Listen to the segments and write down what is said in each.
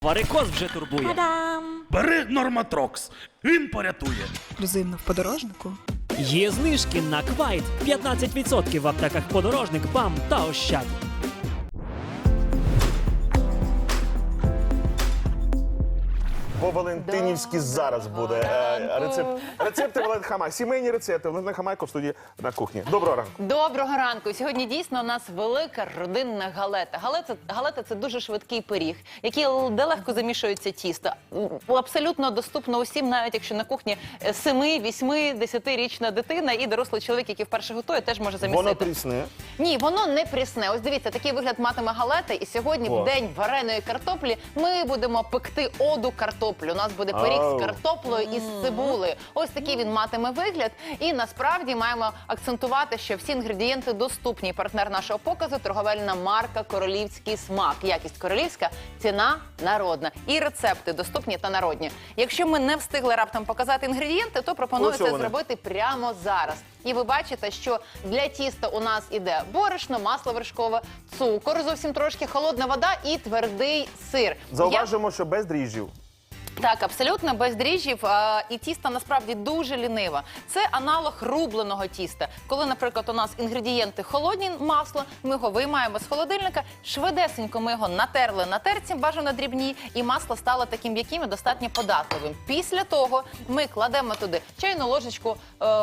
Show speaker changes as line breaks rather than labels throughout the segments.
Варикоз вже турбує.
Та-дам!
Бери Норматрокс, він порятує.
Ексклюзивно в подорожнику.
Є знижки на Квайт. 15% в аптеках «Подорожник», «БАМ» та «Ощад».
По-валентинівськи зараз буде рецепти Валентина Хамай. Сімейні рецепти. Валентина Хамайко в студії на кухні. Доброго ранку.
Доброго ранку. Сьогодні дійсно у нас велика родинна галета. Галета – це дуже швидкий пиріг, який де легко замішується тісто. Абсолютно доступно усім, навіть якщо на кухні 7, 8, 10-річна дитина і дорослий чоловік, який вперше готує, теж може замісити.
Воно прісне.
Ні, воно не прісне. Ось дивіться, такий вигляд матиме галета. І сьогодні, в день вареної картоплі, ми будемо пекти оду картоплі. У нас буде пиріг з картоплею і з цибулею. Ось такий він матиме вигляд. І насправді маємо акцентувати, що всі інгредієнти доступні. Партнер нашого показу – торговельна марка «Королівський смак». Якість королівська, ціна народна. І рецепти доступні та народні. Якщо ми не встигли раптом показати інгредієнти, то пропоную це зробити прямо зараз. І ви бачите, що для тіста у нас іде борошно, масло вершкове, цукор, зовсім трошки, холодна вода і твердий сир.
Зауважимо, що без дріжджів.
Так, абсолютно без дріжджів, і тісто насправді дуже ліниве. Це аналог рубленого тіста. Коли, наприклад, у нас інгредієнти холодні, масло, ми його виймаємо з холодильника, швидесенько ми його натерли на терці, бажано дрібній, і масло стало таким м'яким і достатньо податливим. Після того ми кладемо туди чайну ложечку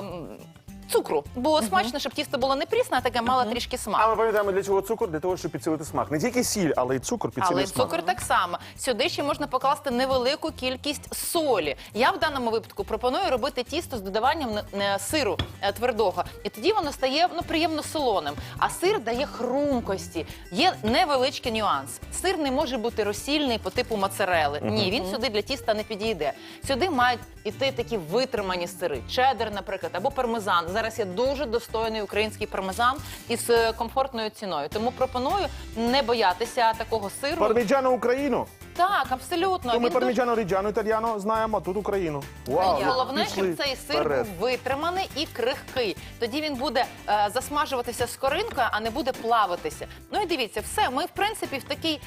цукру. Було смачно, щоб тісто було не прісне, а таке мало трішки смак.
А ми пам'ятаємо, для чого цукор? Для того, щоб підсилити смак. Не тільки сіль, але й цукор
Але
підсилить
й
смак.
цукор так само. Сюди ще можна покласти невелику кількість солі. Я в даному випадку пропоную робити тісто з додаванням сиру твердого. І тоді воно стає приємно солоним. А сир дає хрумкості. Є невеличкий нюанс. Сир не може бути розсільний по типу моцарели. Ні, він сюди для тіста не підійде. Сюди мають іти такі витримані сири. Чеддер, наприклад, або пармезан. Зараз є дуже достойний український пармезан із комфортною ціною. Тому пропоную не боятися такого сиру.
Парміджано Україну.
Так, абсолютно.
То ми
Він
парміджано ріджано італіано знаємо, а тут Україну.
І головне,
пішли
щоб цей сир
вперед.
був витриманий і крихкий. Тоді він буде засмажуватися скоринкою, а не буде плавитися. Ну і дивіться, все, ми в принципі в такий,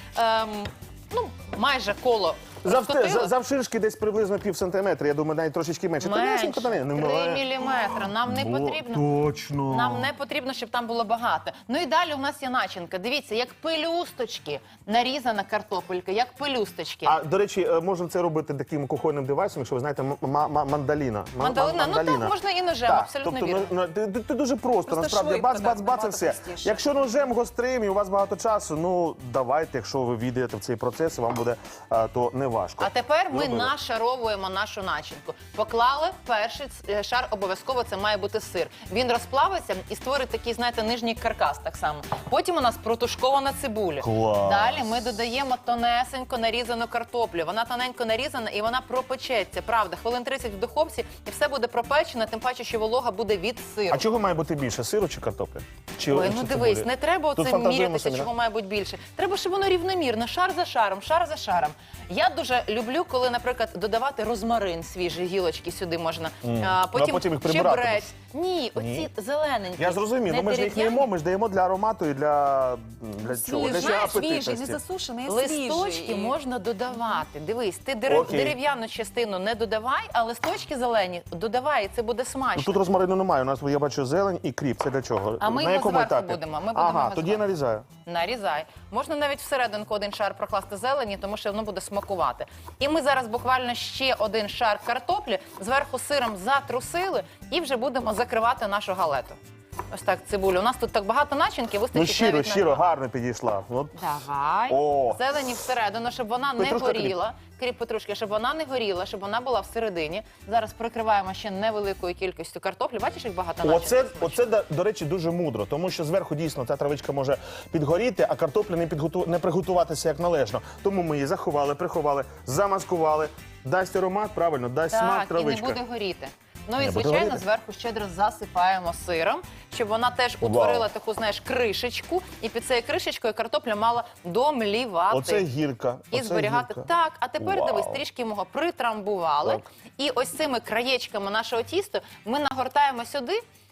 майже коло розкотили.
Завширшки десь приблизно пів сантиметра, я думаю, навіть трошечки менше.
Менше, 3 міліметри. Нам не потрібно.
Точно.
Нам не потрібно, щоб там було багато. Ну і далі у нас є начинка. Дивіться, як пелюсточки нарізана картопелька, як пелюсточки.
А, до речі, можна це робити таким кухонним девайсом, якщо ви знаєте, мандаліна.
Мандалина, ну так, можна і ножем, абсолютно
тобто,
вірно.
Це дуже просто, насправді, бац-бац-бац і все. Якщо ножем гострим і у вас багато часу, ну, давайте, якщо ви війдете в цей процес, вам буде то не важко.
А тепер ми нашаровуємо нашу начинку. Поклали перший шар, обов'язково це має бути сир. Він розплавиться і створить такий, знаєте, нижній каркас так само. Потім у нас протушкована цибуля.
Клас.
Далі ми додаємо тонесенько нарізану картоплю. Вона тоненько нарізана і вона пропечеться. Правда, хвилин 30 в духовці і все буде пропечено, тим паче, що волога буде від сиру.
А чого має бути більше, сиру чи картоплі?
Ой, ну дивись, не треба
Тут
оце
фантазуємо
мірятися,
самі,
чого має бути більше. Треба, щоб воно рівномірно, шар за шаром, шар за шаром. Я дуже люблю, коли, наприклад, додавати розмарин свіжий, гілочки сюди можна.
Потім їх прибирати.
чебрець. Ні, оці зелененькі.
Я зрозумів, ну ми ж їх не їмо, ми ж даємо для аромату і для чого? Для
знаєш,
апетитності.
не засушений, а
Листочки
свіжий.
можна додавати. Дивись, ти
Окей.
дерев'яну частину не додавай, а листочки зелені додавай, і це буде смачно.
Ну, тут розмарину немає, у нас, я бачу, зелень і кріп. Це для чого?
А ми
На
його
якому
зверху
етапі?
будемо, ми будемо
Ага,
його
тоді я
зверху.
нарізаю.
Нарізай. Можна навіть всерединку один шар прокласти зелені, тому що воно буде смакувати. І ми зараз буквально ще один шар картоплі зверху сиром затрусили і вже будемо закривати нашу галету. Ось так, цибулю. У нас тут так багато начинки,
Ну,
вистачить навіть
щиро,
на...
гарно підійшла. От.
Давай.
О.
Зелені всередину, щоб вона не
Петрушка,
горіла. Кріп петрушки, щоб вона не горіла, щоб вона була всередині. Зараз прикриваємо ще невеликою кількістю картоплі. Бачиш, як багато начинки?
Оце, до речі, дуже мудро, тому що зверху дійсно ця травичка може підгоріти, а картопля не приготуватися як належно. Тому ми її заховали, приховали, замаскували. Дасть аромат, правильно, дасть смак
Так, і
травичка.
не буде горіти. Ну і,
Не буде
звичайно,
горіти?
зверху щедро засипаємо сиром, щоб вона теж утворила таку, знаєш, кришечку. І під цією кришечкою картопля мала домлівати.
Оце гірка.
І
оце
зберігати.
гірка.
Так, а тепер,
Вау.
дивись, трішки його притрамбували.
Так.
І ось цими краєчками нашого тіста ми нагортаємо сюди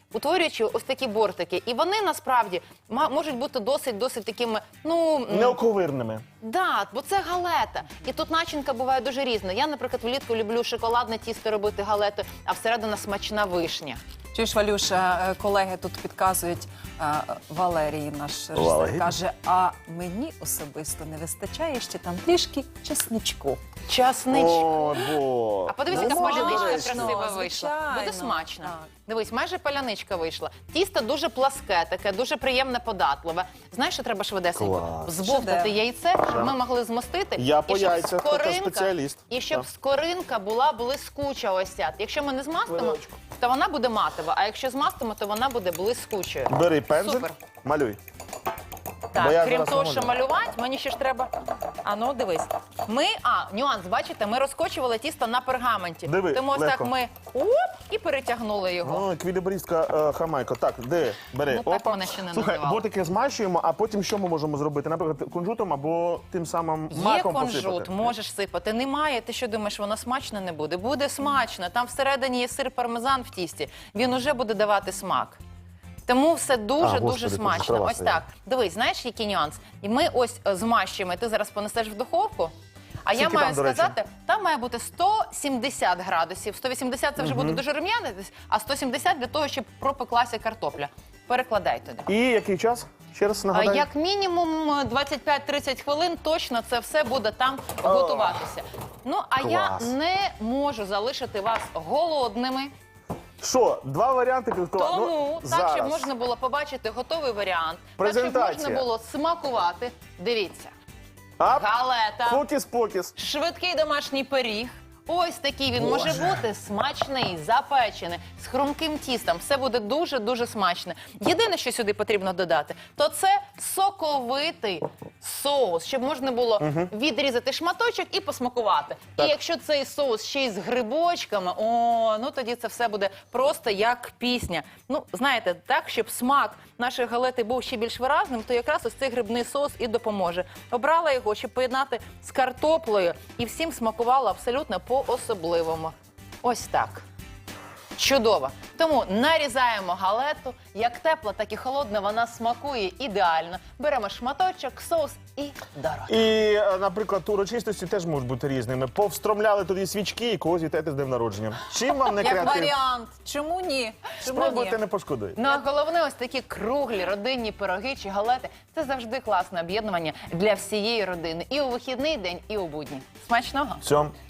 утворюючи ось такі бортики. І вони насправді можуть бути досить такими,
Неоковирними.
да, бо це галета. І тут начинка буває дуже різна. Я, наприклад, влітку люблю шоколадне тісто робити галету, а всередина смачна вишня.
Чуєш, Валюша, колеги тут підказують, Валерій, наш режисер,
Валерій?
каже, а мені особисто не вистачає ще там трішки чесничку.
Часничку.
О, бо.
А подивись, яка
Можна,
паляничка
до речі.
красива
Ну,
вийшла.
звичайно.
Буде смачно.
Так.
Дивись, майже паляничка вийшла. Тісто дуже пласке, таке, дуже приємне, податливе. Знаєш, що треба швидесенько?
Клас.
Збовтати
Шедевр.
яйце, щоб ми могли змостити.
Я по
і щоб
яйцях така спеціаліст.
І щоб
Так.
скоринка була блискуча ось ця. Якщо ми не змастимо,
Хвилиночку.
то вона буде матова, а якщо змастимо, то вона буде блискучою.
Бери пензель,
Супер.
малюй.
Так,
Бо я
крім
зараз
того,
не
що
можу.
малювати, мені ще ж треба. А ну дивись. Нюанс, бачите, ми розкочували тісто на пергаменті.
Диви,
Тому ось
легко.
так ми і перетягнули його.
О, еквілібристка Хамайко. Так, де? Бери.
Ну, так мене ще не
Слухай,
називали.
ботики змащуємо, а потім що ми можемо зробити? Наприклад, кунжутом або тим самим
Є
маком
кунжут,
посипати.
можеш сипати. Немає, ти що думаєш, воно смачно не буде? Буде смачно. Там всередині є сир пармезан в тісті. Він уже буде давати смак. Тому все дуже-дуже
Господи,
смачно.
права
Ось
своя.
так. Дивись, знаєш, який нюанс? І ми ось змащуємо, і ти зараз понесеш в духовку. А я
Скільки
маю
там, до речі?
сказати, там має бути 170 градусів. 180 це вже буде дуже рум'янитись, а 170 для того, щоб пропеклася картопля. Перекладай туди.
І який час? Ще раз нагадай.
Як мінімум 25-30 хвилин точно це все буде там готуватися. Ну, а я
Клас.
не можу залишити вас голодними.
Що, два варіанти підготувати?
Тому, так,
зараз.
щоб можна було побачити готовий варіант, так, щоб
Презентація.
можна було смакувати. Дивіться,
Ап,
галета,
фокіс-покіс.
швидкий домашній пиріг. Ось такий він може бути смачний, запечений, з хрумким тістом. Все буде дуже-дуже смачне. Єдине, що сюди потрібно додати, то це соковитий соус, щоб можна було відрізати шматочок і посмакувати.
Так.
І якщо цей соус ще й з грибочками, ну тоді це все буде просто як пісня. Ну, знаєте, так, щоб смак нашої галети був ще більш виразним, то якраз ось цей грибний соус і допоможе. Обрала його, щоб поєднати з картоплею і всім смакувало абсолютно по-особливому. Ось так. Чудово. Тому нарізаємо галету. Як тепла, так і холодна, вона смакує ідеально. Беремо шматочок, соус і до рота.
І, наприклад, урочистості теж можуть бути різними. Повстромляли тоді свічки і когось вітаєте з днем народження. Чим вам не
Як
креатив?
варіант. Чому ні? Чому
Спробуйте,
ні?
не пошкодуєте.
Ну, а головне, ось такі круглі родинні пироги чи галети – це завжди класне об'єднування для всієї родини. І у вихідний день, і у будні. Смачного!
Всьом.